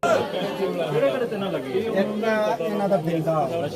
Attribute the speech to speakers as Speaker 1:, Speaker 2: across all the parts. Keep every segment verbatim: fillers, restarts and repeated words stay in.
Speaker 1: ਇਹਨਾਂ ਦਾ ਬੇਟਾ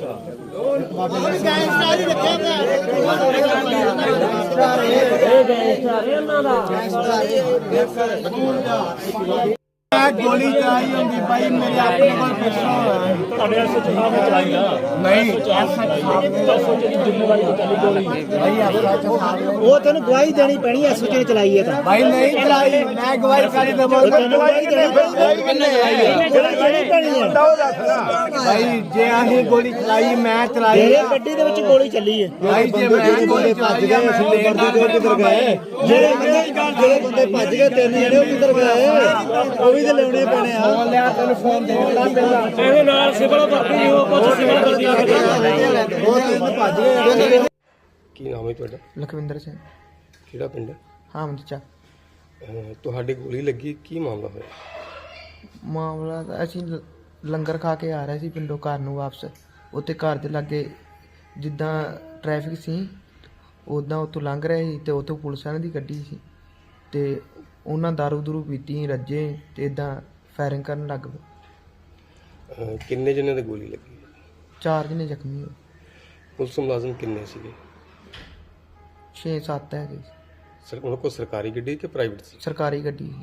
Speaker 1: ਗੋਲੀ ਚਲਾਈ ਹੁੰਦੀ ਭਾਈ ਮੇਰੇ ਆਪਣੇ ਕੋਲ ਪਿੱਛੋਂ ਤੁਹਾਡੇ ਐਸ ਐਚ ਸਾਹਿਬ ਨੇ ਚਲਾਈ ਆ ਨਹੀਂ ਐਸ ਐਚ ਸਾਹਿਬ ਦੀ ਜ਼ਿੰਮੇਵਾਰੀ ਤੋਂ ਚੱਲੀ ਗੋਲੀ ਭਾਈ ਐਸ ਐਚ ਸਾਹਿਬ
Speaker 2: ਉਹ ਤੈਨੂੰ ਗਵਾਹੀ ਦੇਣੀ ਪੈਣੀ ਐਸ ਐਚ ਨੇ ਚਲਾਈ ਹੈ ਤਾਂ
Speaker 1: ਭਾਈ ਨਹੀਂ ਚਲਾਈ ਮੈਂ ਗਵਾਹੀ ਕਰੀ ਦਵਾਂ ਗਵਾਹੀ ਕਿੰਨੇ ਚਲਾਈ ਹੈ ਭਾਈ ਜੇ ਅਸੀਂ ਗੋਲੀ ਚਲਾਈ ਮੈਂ ਚਲਾਈ
Speaker 2: ਤੇਰੇ ਗੱਡੀ ਦੇ ਵਿੱਚ ਗੋਲੀ ਚੱਲੀ ਹੈ
Speaker 1: ਭਾਈ ਜੇ ਮੈਂ ਗੋਲੀ ਭੱਜ ਗਏ ਅਸੀਂ ਵਰਦੀ ਦੇ ਕਿੱਧਰ ਗਏ
Speaker 2: ਜਿਹੜੇ ਬੰਦੇ ਜਿਹੜੇ ਬੰਦੇ ਭੱਜ ਗਏ ਤਿੰਨ ਜਿਹੜੇ ਉਹ ਕਿੱਧਰ ਗਏ ਉਹ ਵੀ ਤੇ ਲਿਆਉਣੇ ਪੈਣੇ ਆ
Speaker 1: ਫੋਨ ਲਿਆ ਤੈਨੂੰ ਫੋਨ ਦੇ ਦਿੱਤਾ ਪਹਿਲਾਂ
Speaker 3: ਇਹਦੇ ਨਾਲ ਸਿਵਲ ਭਰਤੀ ਹੋ ਕੁਝ ਸਿਵਲ ਭਰਤੀ
Speaker 1: ਉਹ ਤਿੰਨ ਭੱਜ ਗਏ।
Speaker 4: ਕੀ ਨਾਮ ਹੈ ਤੁਹਾਡਾ?
Speaker 5: ਲਖਵਿੰਦਰ ਸਿੰਘ।
Speaker 4: ਕਿਹੜਾ ਪਿੰਡ?
Speaker 5: ਹਾਮਦ ਚਾ।
Speaker 4: ਅਹ ਤੁਹਾਡੇ ਗੋਲੀ ਲੱਗੀ, ਕੀ ਮਾਮਲਾ ਹੋਇਆ?
Speaker 5: ਮਾਮਲਾ ਤਾਂ ਅਸੀਂ ਲ- ਲੰਗਰ ਖਾ ਕੇ ਆ ਰਹੇ ਸੀ ਪਿੰਡੋਂ ਘਰ ਨੂੰ ਵਾਪਸ। ਉੱਥੇ ਘਰ ਦੇ ਲਾਗੇ ਜਿੱਦਾਂ ਟ੍ਰੈਫਿਕ ਸੀ ਉੱਦਾਂ ਉੱਥੋਂ ਲੰਘ ਰਹੇ ਸੀ ਅਤੇ ਉੱਥੋਂ ਪੁਲਿਸ ਵਾਲਿਆਂ ਦੀ ਗੱਡੀ ਸੀ ਅਤੇ ਉਹਨਾਂ ਦਾਰੂ ਦੂਰੂ ਪੀਤੀ ਰੱਜੇ ਅਤੇ ਇੱਦਾਂ ਫਾਇਰਿੰਗ ਕਰਨ ਲੱਗ ਪਏ।
Speaker 4: ਅਹ ਕਿੰਨੇ ਜਣੇ ਦੀ ਗੋਲੀ ਲੱਗੀ?
Speaker 5: ਚਾਰ ਜਣੇ ਜ਼ਖਮੀ ਹੋਏ।
Speaker 4: ਪੁਲਿਸ ਮੁਲਾਜ਼ਮ ਕਿੰਨੇ ਸੀਗੇ?
Speaker 5: ਛੇ ਸੱਤ ਹੈਗੇ ਸੀ।
Speaker 4: ਸਰ ਉਹਨਾਂ ਕੋਲ ਸਰਕਾਰੀ ਗੱਡੀ ਕਿ ਪ੍ਰਾਈਵੇਟ ਸੀ?
Speaker 5: ਸਰਕਾਰੀ ਗੱਡੀ ਸੀ।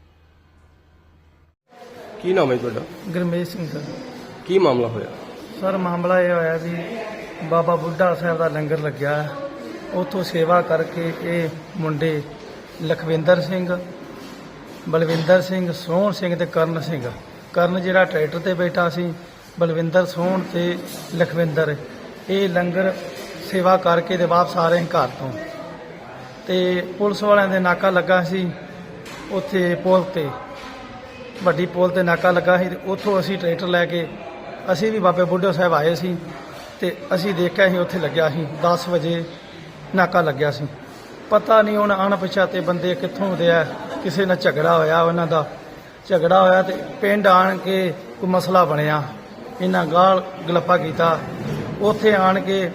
Speaker 4: ਕੀ ਨਾਮ ਹੈ ਤੁਹਾਡਾ?
Speaker 6: ਗੁਰਮੇਸ਼ ਸਿੰਘ ਸਰ।
Speaker 4: ਕੀ ਮਾਮਲਾ ਹੋਇਆ?
Speaker 6: ਸਰ ਮਾਮਲਾ ਇਹ ਹੋਇਆ ਵੀ ਬਾਬਾ ਬੁੱਢਾ ਸਾਹਿਬ ਦਾ ਲੰਗਰ ਲੱਗਿਆ, ਉੱਥੋਂ ਸੇਵਾ ਕਰਕੇ ਇਹ ਮੁੰਡੇ ਲਖਵਿੰਦਰ ਸਿੰਘ, ਬਲਵਿੰਦਰ ਸਿੰਘ, ਸੋਹਣ ਸਿੰਘ ਤੇ ਕਰਨ ਸਿੰਘ, ਕਰਨ ਜਿਹੜਾ ਟਰੈਕਟਰ ਤੇ ਬੈਠਾ ਸੀ, ਬਲਵਿੰਦਰ, ਸੋਹਣ ਤੇ ਲਖਵਿੰਦਰ, ਇਹ ਲੰਗਰ ਸੇਵਾ ਕਰਕੇ ਤੇ ਵਾਪਸ ਆ ਰਹੇ ਘਰ ਤੋਂ ਤੇ ਪੁਲਿਸ ਵਾਲਿਆਂ ਦੇ ਨਾਕਾ ਲੱਗਾ ਸੀ ਉੱਥੇ ਪੁਲ ਤੇ, ਵੱਡੀ ਪੁਲ ਤੇ ਨਾਕਾ ਲੱਗਾ ਸੀ ਤੇ ਉੱਥੋਂ ਅਸੀਂ ਟਰੈਕਟਰ ਲੈ ਕੇ ਅਸੀਂ ਵੀ ਬਾਬੇ ਬੁੱਢੇ ਸਾਹਿਬ ਆਏ ਸੀ ਤੇ ਅਸੀਂ ਦੇਖਿਆ ਸੀ ਉੱਥੇ ਲੱਗਿਆ ਸੀ ਦਸ ਵਜੇ ਨਾਕਾ ਲੱਗਿਆ ਸੀ। ਪਤਾ ਨਹੀਂ ਹੁਣ ਅਣਪਛਾਤੇ ਬੰਦੇ ਕਿੱਥੋਂ ਦੇ ਆ, ਕਿਸੇ ਨਾਲ ਝਗੜਾ ਹੋਇਆ, ਉਹਨਾਂ ਦਾ ਝਗੜਾ ਹੋਇਆ ਤੇ ਪਿੰਡ ਆਣ ਕੇ ਕੋਈ ਮਸਲਾ ਬਣਿਆ, ਇਹਨਾਂ ਗਾਲ ਗਲੱਪਾ ਕੀਤਾ, ਉੱਥੇ ਆਣ ਕੇ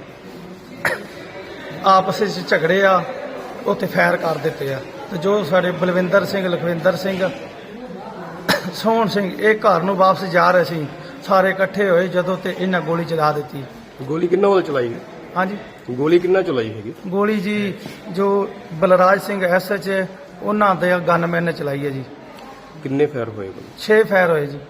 Speaker 6: ਆਪਸ ਵਿੱਚ ਝਗੜੇ ਆ, ਉੱਥੇ ਫਾਇਰ ਕਰ ਦਿੱਤੇ ਆ ਤੇ ਜੋ ਸਾਡੇ ਬਲਵਿੰਦਰ ਸਿੰਘ, ਲਖਵਿੰਦਰ ਸਿੰਘ, ਸੋਹਣ ਸਿੰਘ ਇਹ ਘਰ ਨੂੰ ਵਾਪਸ ਜਾ ਰਹੇ ਸੀ, ਸਾਰੇ ਇਕੱਠੇ ਹੋਏ ਜਦੋਂ ਤੇ ਇਹਨਾਂ ਗੋਲੀ ਚਲਾ ਦਿੱਤੀ।
Speaker 4: ਗੋਲੀ ਕਿੰਨਾ ਵੱਲ ਚਲਾਈ?
Speaker 6: ਹਾਂਜੀ,
Speaker 4: ਗੋਲੀ ਕਿੰਨਾ ਚਲਾਈ ਹੈਗੀ?
Speaker 6: ਗੋਲੀ ਜੀ ਜੋ ਬਲਰਾਜ ਸਿੰਘ ਐਸ ਐਚ ਉਹਨਾਂ ਦੇ ਗਨਮੈਨ ਨੇ ਚਲਾਈ ਹੈ ਜੀ।
Speaker 4: ਕਿੰਨੇ ਫਾਇਰ ਹੋਏ ਗੋਲੀ?
Speaker 6: ਛੇ ਫਾਇਰ ਹੋਏ ਜੀ।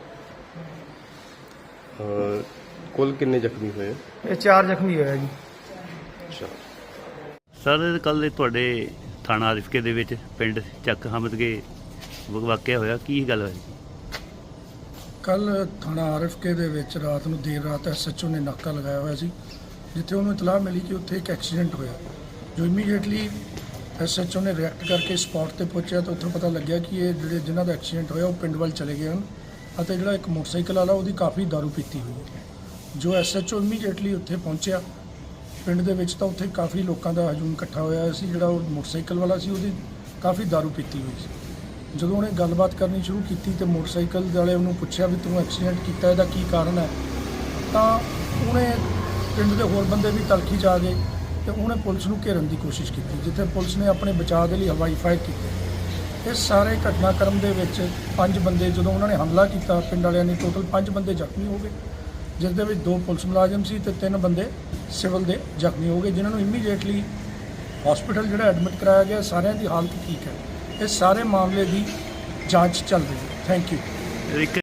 Speaker 4: ਅਹ ਕੁੱਲ ਕਿੰਨੇ ਜ਼ਖਮੀ ਹੋਏ?
Speaker 6: ਇਹ ਚਾਰ ਜ਼ਖਮੀ ਹੋਇਆ ਜੀ।
Speaker 4: ਅੱਛਾ
Speaker 3: ਸਰ ਕੱਲ੍ਹ ਤੁਹਾਡੇ ਥਾਣਾ ਆਰਿਫਕੇ ਦੇ ਵਿੱਚ ਪਿੰਡ ਚੱਕ ਹਮਦਗੇ ਵਾਕਿਆ ਹੋਇਆ, ਕੀ ਗੱਲ ਹੋਈ?
Speaker 7: ਕੱਲ ਥਾਣਾ ਆਰਐਫਕੇ ਦੇ ਵਿੱਚ ਰਾਤ ਨੂੰ ਦੇਰ ਰਾਤ ਐਸਐਚਓ ਨੇ ਨਾਕਾ ਲਗਾਇਆ ਹੋਇਆ ਸੀ, ਜਿੱਥੇ ਉਹਨੂੰ ਇਤਲਾਹ ਮਿਲੀ ਕਿ ਉੱਥੇ ਇੱਕ ਐਕਸੀਡੈਂਟ ਹੋਇਆ। ਜੋ ਇਮੀਡੀਏਟਲੀ ਐਸਐਚਓ ਨੇ ਰਿਐਕਟ ਕਰਕੇ ਸਪੌਟ ਤੇ ਪਹੁੰਚਿਆ ਤਾਂ ਉੱਥੋਂ ਪਤਾ ਲੱਗਿਆ ਕਿ ਇਹ ਜਿਹੜੇ ਜਿਨ੍ਹਾਂ ਦਾ ਐਕਸੀਡੈਂਟ ਹੋਇਆ ਉਹ ਪਿੰਡ ਵੱਲ ਚਲੇ ਗਏ ਹਨ ਅਤੇ ਜਿਹੜਾ ਇੱਕ ਮੋਟਰਸਾਈਕਲ ਵਾਲਾ ਉਹਦੀ ਕਾਫੀ ਦਾਰੂ ਪੀਤੀ ਹੋਈ ਹੈ। ਜੋ ਐਸਐਚਓ ਇਮੀਡੀਏਟਲੀ ਉੱਥੇ ਪਹੁੰਚਿਆ ਪਿੰਡ ਦੇ ਵਿੱਚ ਤਾਂ ਉੱਥੇ ਕਾਫੀ ਲੋਕਾਂ ਦਾ ਹਜੂਮ ਇਕੱਠਾ ਹੋਇਆ ਸੀ। ਜਿਹੜਾ ਉਹ ਮੋਟਰਸਾਈਕਲ ਵਾਲਾ ਸੀ ਉਹਦੀ ਕਾਫੀ ਦਾਰੂ ਪੀਤੀ ਹੋਈ ਸੀ। ਜਦੋਂ ਉਹਨੇ ਗੱਲਬਾਤ ਕਰਨੀ ਸ਼ੁਰੂ ਕੀਤੀ ਤੇ ਮੋਟਰਸਾਈਕਲ ਵਾਲੇ ਉਹਨੂੰ ਪੁੱਛਿਆ ਵੀ ਤੂੰ ਐਕਸੀਡੈਂਟ ਕੀਤਾ, ਇਹਦਾ ਕੀ ਕਾਰਨ ਹੈ, ਤਾਂ ਉਹਨੇ ਪਿੰਡ ਦੇ ਹੋਰ ਬੰਦੇ ਵੀ ਤਲਖੀ 'ਚ ਆ ਗਏ ਤੇ ਉਹਨੇ ਪੁਲਿਸ ਨੂੰ ਘੇਰਨ ਦੀ ਕੋਸ਼ਿਸ਼ ਕੀਤੀ, ਜਿੱਥੇ ਪੁਲਿਸ ਨੇ ਆਪਣੇ ਬਚਾਅ ਦੇ ਲਈ ਹਵਾਈ ਫਾਇਰ ਕੀਤੀ। ਇਸ ਸਾਰੇ ਘਟਨਾਕ੍ਰਮ ਦੇ ਵਿੱਚ ਪੰਜ ਬੰਦੇ ਜਦੋਂ ਉਹਨਾਂ ਨੇ ਹਮਲਾ ਕੀਤਾ ਪਿੰਡ ਵਾਲਿਆਂ ਨੇ, ਟੋਟਲ ਪੰਜ ਬੰਦੇ ਜ਼ਖਮੀ ਹੋ ਗਏ, ਜਿਸ ਦੇ ਵਿੱਚ ਦੋ ਪੁਲਿਸ ਮੁਲਾਜ਼ਮ ਸੀ ਤੇ ਤਿੰਨ ਬੰਦੇ ਸਿਵਲ ਦੇ ਜ਼ਖਮੀ ਹੋ ਗਏ, ਜਿਨ੍ਹਾਂ ਨੂੰ ਇਮੀਡੀਏਟਲੀ ਹਸਪੀਟਲ ਜਿਹੜਾ ਐਡਮਿਟ ਕਰਾਇਆ ਗਿਆ। ਸਾਰਿਆਂ ਦੀ ਹਾਲਤ ਠੀਕ ਹੈ। ਇਸ ਸਾਰੇ ਮਾਮਲੇ ਦੀ ਜਾਂਚ ਚੱਲ ਰਹੀ ਹੈ। Thank you.